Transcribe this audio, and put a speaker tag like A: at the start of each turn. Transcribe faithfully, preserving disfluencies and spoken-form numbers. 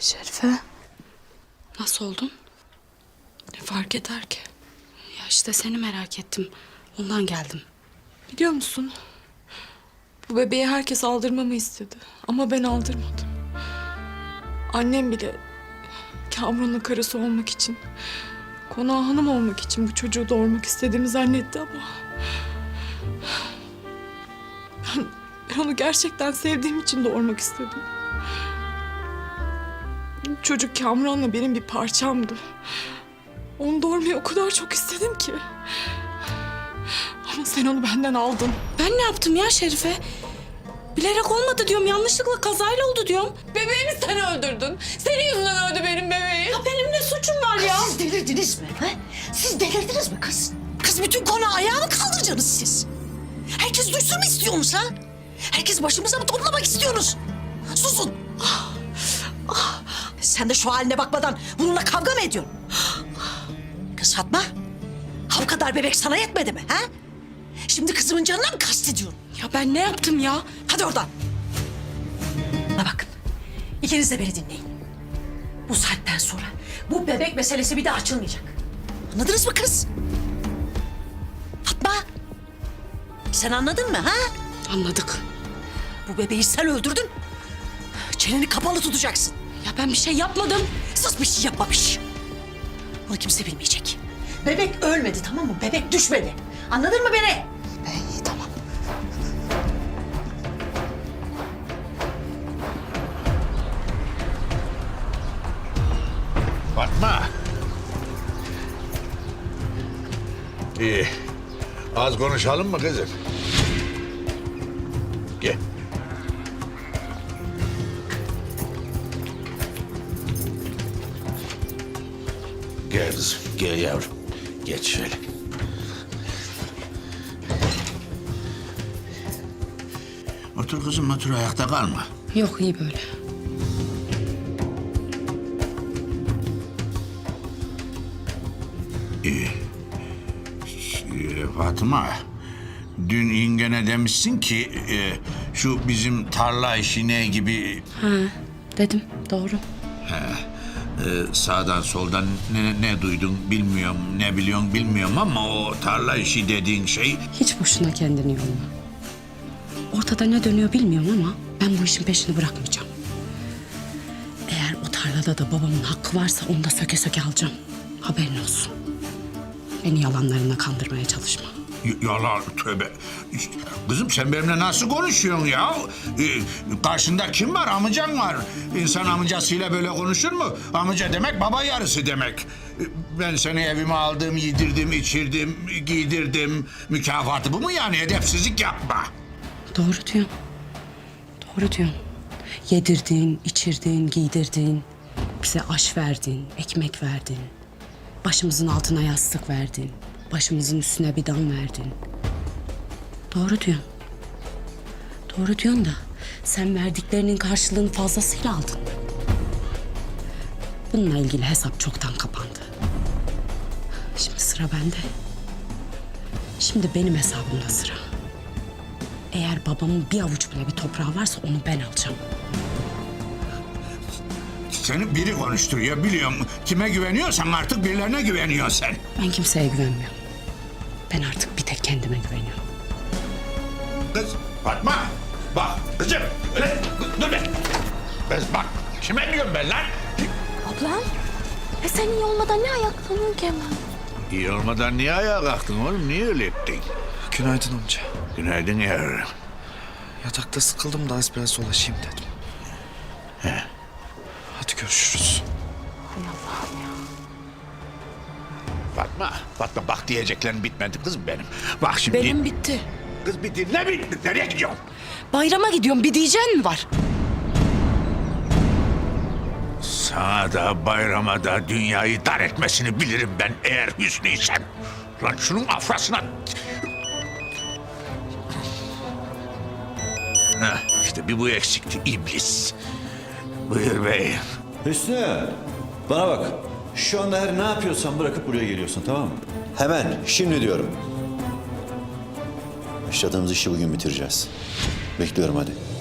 A: Şerife, nasıl oldun?
B: Ne fark eder ki?
A: Ya işte seni merak ettim. Ondan geldim.
B: Biliyor musun? Bu bebeği herkes aldırmamı istedi. Ama ben aldırmadım. Annem bile Kamran'ın karısı olmak için, konağa hanım olmak için bu çocuğu doğurmak istediğimi zannetti ama... Ben, ben onu gerçekten sevdiğim için doğurmak istedim. Çocuk Kamran'la benim bir parçamdı. Onu doğurmayı o kadar çok istedim ki. Ama sen onu benden aldın.
A: Ben ne yaptım ya Şerife? Bilerek olmadı diyorum. Yanlışlıkla kazayla oldu diyorum.
B: Bebeğimi sen öldürdün. Senin yüzünden öldü benim bebeğim.
A: Ya benim ne suçum var ya?
C: Siz delirdiniz mi? He? Siz delirdiniz mi kız? Kız bütün konağı ayağa mı kaldıracaksınız siz? Herkes duysun mu istiyorsunuz ha? Herkes başımıza mı toplamak istiyorsunuz? Susun. Ah, ah. Sen de şu haline bakmadan bununla kavga mı ediyorsun? Kız Fatma, ha bu kadar bebek sana yetmedi mi? Ha? Şimdi kızımın canına mı kastediyorsun?
A: Ya ben ne yaptım ya?
C: Hadi oradan. Bana bakın. İkiniz de beni dinleyin. Bu saatten sonra bu bebek meselesi bir daha açılmayacak. Anladınız mı kız? Fatma. Sen anladın mı ha?
A: Anladık.
C: Bu bebeği sen öldürdün. Çeneni kapalı tutacaksın.
A: Ya ben bir şey yapmadım.
C: Sus, bir şey yapmamış. Bunu kimse bilmeyecek. Bebek ölmedi, tamam mı? Bebek düşmedi. Anladın mı beni?
A: İyi tamam.
D: Fatma. İyi. Az konuşalım mı kızım? Gel. Gel kızım, gel yavrum. Geç şöyle. Otur kızım, otur, ayakta kalma.
A: Yok iyi böyle.
D: İyi. Ee, Fatıma, dün yengene demişsin ki e, şu bizim tarla işi ne gibi
A: Ha dedim doğru.
D: e, sağdan soldan ne, ne duydun bilmiyorum, ne biliyorsun bilmiyorum ama o tarla işi dediğin şey
A: Hiç boşuna kendini yorma. Ortada ne dönüyor bilmiyorum ama ben bu işin peşini bırakmayacağım. Eğer o tarlada da babamın hakkı varsa onu da söke söke alacağım. Haberin olsun. Beni yalanlarına kandırmaya çalışma.
D: Y- yalan, tövbe. Kızım sen benimle nasıl konuşuyorsun ya? Ee, karşında kim var? Amcan var. İnsan amcasıyla böyle konuşur mu? Amca demek baba yarısı demek. Ee, Ben seni evime aldım, yedirdim, içirdim, giydirdim. Mükafatı bu mu yani? Edepsizlik yapma.
A: Doğru diyorsun. Doğru diyorsun. Yedirdin, içirdin, giydirdin. Bize aş verdin, ekmek verdin. Başımızın altına yastık verdin. Başımızın üstüne bir dam verdin. Doğru diyorsun. Doğru diyorsun da sen verdiklerinin karşılığını fazlasıyla aldın. Bununla ilgili hesap çoktan kapandı. Şimdi sıra bende. Şimdi benim hesabımda sıra. Eğer babamın bir avuç bile bir toprağı varsa onu ben alacağım.
D: Seni biri konuşturuyor biliyorum. Kime güveniyorsan artık birilerine güveniyorsun sen.
A: Ben kimseye güvenmiyorum. Ben artık bir tek kendime güveniyorum.
D: Kız Fatma bak kızım öyle dur be. Kız bak kime diyorum ben lan?
E: Ablam, e sen iyi olmadan ne ayaklanıyorsun ki hemen?
D: İyi olmadan niye ayağa kalktın oğlum? Niye öyle ettin?
F: Günaydın amca.
D: Günaydın yavrum.
F: Yatakta sıkıldım da az biraz dolaşayım dedim.
D: He.
F: Hadi görüşürüz.
D: Fatma, Fatma bak diyeceklerim bitmedi kızım benim. Bak şimdi...
A: Benim bitti.
D: Kız bir dinle bir. Nereye gidiyorsun?
A: Bayrama gidiyorum. Bir diyeceğin mi var?
D: Sana da bayrama da dünyayı dar etmesini bilirim ben eğer Hüsnü'ysem. Lan şunun afrasına... Heh, işte bir bu eksikti iblis. Buyur beyim.
G: Hüsnü, bana bak. Şu anda her ne yapıyorsan bırakıp buraya geliyorsun, tamam mı? Hemen, şimdi diyorum. Başladığımız işi bugün bitireceğiz. Bekliyorum hadi.